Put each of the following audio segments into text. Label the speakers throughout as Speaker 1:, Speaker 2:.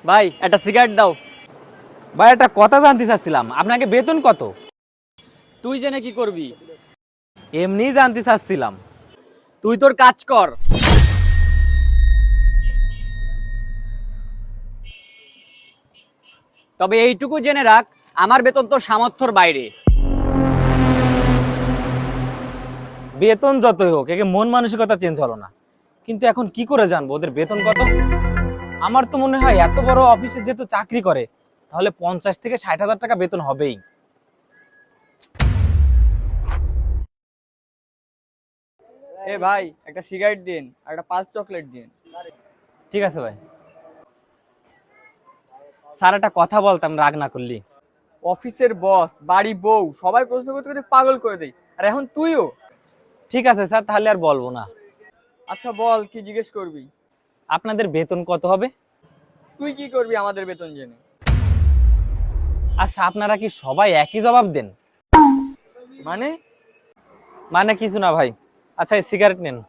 Speaker 1: ভাই একটা সিগারেট দাও।
Speaker 2: ভাই একটা কথা জানতে চাচ্ছিলাম, আপনাকে বেতন কত?
Speaker 1: তুই জেনে কি করবি?
Speaker 2: এমনি জানতে চাচ্ছিলাম।
Speaker 1: তুই তোর কাজ কর। তবে এইটুকু জেনে রাখ, আমার বেতন তোর সামর্থ্যর বাইরে।
Speaker 2: বেতন যতই হোক, একে মন মানসিকতা চেঞ্জ হলো না। কিন্তু এখন কি করে জানবো ওদের বেতন কত? আমার তো মনে হয় এত বড় অফিসে যেহেতু চাকরি করে, তাহলে 50 থেকে 60 হাজার টাকা বেতন হবেই।
Speaker 1: এ ভাই একটা সিগারেট দিন আর একটা পালস চকলেট দিন।
Speaker 2: ঠিক আছে ভাই। স্যার একটা কথা বলতাম, রাগ না করলি?
Speaker 1: অফিসের বস, বাড়ি বউ সবাই প্রশ্ন করতে করতে পাগল করে দেয়, আর এখন তুইও।
Speaker 2: ঠিক আছে স্যার, তাহলে আর বলবো না।
Speaker 1: আচ্ছা বল, কি জিজ্ঞেস করবি?
Speaker 2: আপনাদের বেতন কত হবে?
Speaker 1: তুই কি করবি আমাদের বেতন জেনে?
Speaker 2: আচ্ছা, আপনারা কি সবাই একই জবাব দেন?
Speaker 1: মানে?
Speaker 2: মানে কিছু না ভাই। আচ্ছা, এই সিগারেট নেন।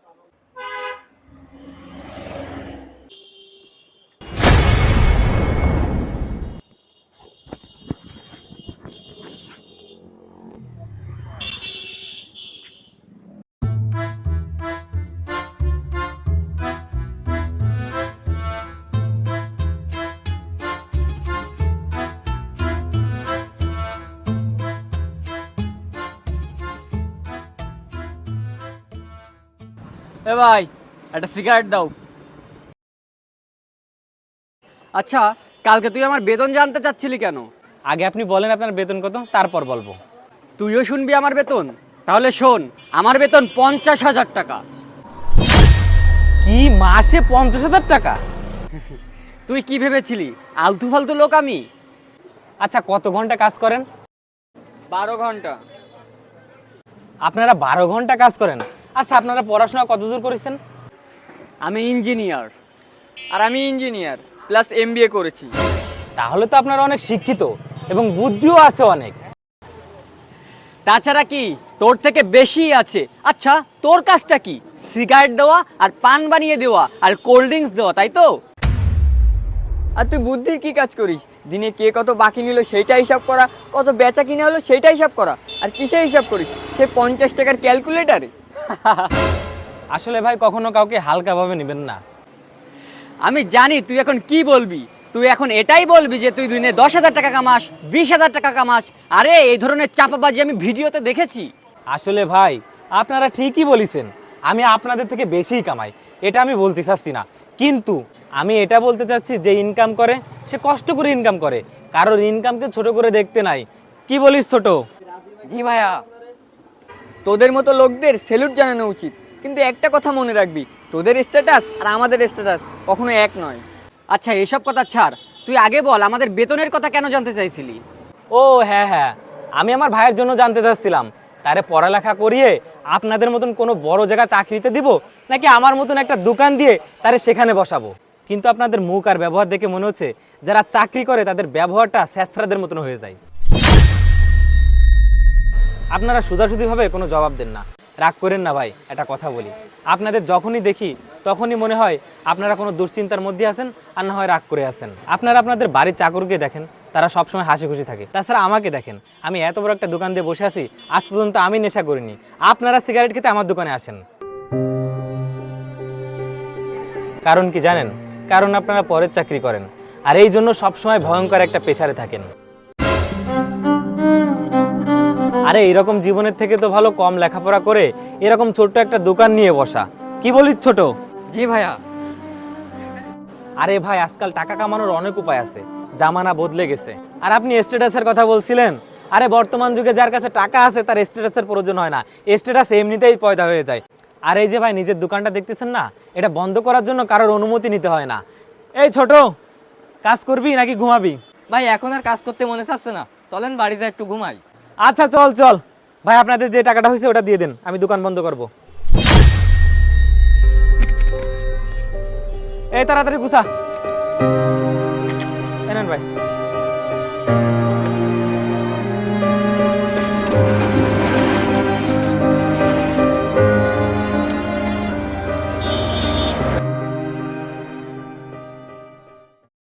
Speaker 1: এ ভাই একটা সিগারেট দাও। আচ্ছা, কালকে তুই আমার বেতন জানতে চাচ্ছিলি কেন?
Speaker 2: আগে আপনি বলেন আপনার বেতন কত, তারপর বলবো।
Speaker 1: তুইও শুনবি আমার বেতন? তাহলে শোন, আমার বেতন 50,000 টাকা।
Speaker 2: কি, মাসে 50,000 টাকা?
Speaker 1: তুই কি ভেবেছিলি আলতু ফালতু লোক আমি?
Speaker 2: আচ্ছা, কত ঘন্টা কাজ করেন?
Speaker 1: 12 ঘন্টা।
Speaker 2: আপনারা 12 ঘন্টা কাজ করেন? আচ্ছা, আপনারা পড়াশোনা কতদূর করেছেন?
Speaker 1: আমি ইঞ্জিনিয়ার, আর আমি ইঞ্জিনিয়ার প্লাস এমবিএ করেছি।
Speaker 2: তাহলে তো আপনারা অনেক শিক্ষিত এবং বুদ্ধিও আছে অনেক।
Speaker 1: তাছাড়া কি, তোর থেকে বেশি আছে। আচ্ছা, তোর কাজটা কি? সিগারেট দেওয়া আর পান বানিয়ে দেওয়া আর কোল্ড ড্রিঙ্কস দেওয়া, তাই তো? আর তুই বুদ্ধির কি কাজ করিস? দিনে কে কত বাকি নিল সেইটা হিসাব করা, কত বেচা কিনে হলো সেইটা হিসাব করা। আর কিসে হিসাব করিস? সে 50 টাকার ক্যালকুলেটারে।
Speaker 2: আসলে ভাই, কখনো কাউকে হালকাভাবে নেবেন না।
Speaker 1: আমি জানি তুই এখন কি বলবি। তুই এখন এটাই বলবি যে তুই দিনে 10,000 টাকা কামাস, 20,000 টাকা কামাস। আরে এই ধরনের চাপাবাজি আমি ভিডিওতে দেখেছি।
Speaker 2: আসলে ভাই, আপনারা ঠিকই বলেছেন, আমি আপনাদের থেকে বেশিই কামাই, এটা আমি বলতে চাচ্ছি না। কিন্তু আমি এটা বলতে চাচ্ছি, যে ইনকাম করে সে কষ্ট করে ইনকাম করে, কারোর ইনকামকে ছোট করে দেখতে নাই। কি বলিস ছোট?
Speaker 1: জি ভাইয়া, তোদের মতো লোকদের স্যালুট জানানো উচিত। কিন্তু একটা কথা মনে রাখবি, তোদের স্ট্যাটাস আর আমাদের স্ট্যাটাস কখনো এক নয়। আচ্ছা এসব কথা ছাড়, তুই আগে বল আমাদের বেতনের কথা কেন জানতে চাইছিলি?
Speaker 2: ও হ্যাঁ হ্যাঁ, আমি আমার ভাইয়ের জন্য জানতে চাচ্ছিলাম, তারে পড়ালেখা করিয়ে আপনাদের মতন কোনো বড় জায়গা চাকরিতে দিব, নাকি আমার মতন একটা দোকান দিয়ে তারে সেখানে বসাবো। কিন্তু আপনাদের মুখ আর ব্যবহার দেখে মনে হচ্ছে যারা চাকরি করে তাদের ব্যবহারটা স্যাঁচড়াদের মতন হয়ে যায়। আপনারা সুধাসুধিভাবে কোনো জবাব দেন না, রাগ করেন না ভাই। একটা কথা বলি, আপনাদের যখনই দেখি তখনই মনে হয় আপনারা কোনো দুশ্চিন্তার মধ্যে আছেন, আর না হয় রাগ করে আছেন। আপনারা আপনাদের বাড়ির চাকরকে দেখেন, তারা সবসময় হাসি খুশি থাকে। তাছাড়া আমাকে দেখেন, আমি এত বড় একটা দোকান দিয়ে বসে আছি, আজ পর্যন্ত আমি নেশা করিনি। আপনারা সিগারেট খেতে আমার দোকানে আসেন, কারণ কি জানেন? কারণ আপনারা পরের চাকরি করেন, আর এই জন্য সবসময় ভয়ঙ্কর একটা পেছারে থাকেন। আরে এইরকম জীবনের থেকে তো ভালো কম লেখাপড়া করে এরকম ছোট্ট একটা দোকান নিয়ে বসা। কি বলিস ছোট?
Speaker 1: জি ভাইয়া।
Speaker 2: আরে ভাই, আজকাল টাকা কামানোর অনেক উপায় আছে, জামানা বদলে গেছে। আর আপনি স্ট্যাটাসের কথা বলছিলেন, আরে বর্তমান যুগে যার কাছে টাকা আছে তার স্ট্যাটাসের প্রয়োজন হয় না, স্ট্যাটাস এমনিতেই পয়দা হয়ে যায়। আর এই যে ভাই, নিজের দোকানটা দেখতেছেন না, এটা বন্ধ করার জন্য কারোর অনুমতি নিতে হয় না। এই ছোট, কাজ করবি নাকি ঘুমাবি?
Speaker 1: ভাই এখন আর কাজ করতে মনে চাচ্ছে না, চলেন বাড়ি যা একটু ঘুমাই।
Speaker 2: আচ্ছা চল চল ভাই, আপনাদের যে টাকাটা হয়েছে ওটা দিয়ে দেন, আমি দোকান বন্ধ করব। এই তাড়াতাড়ি গুছা।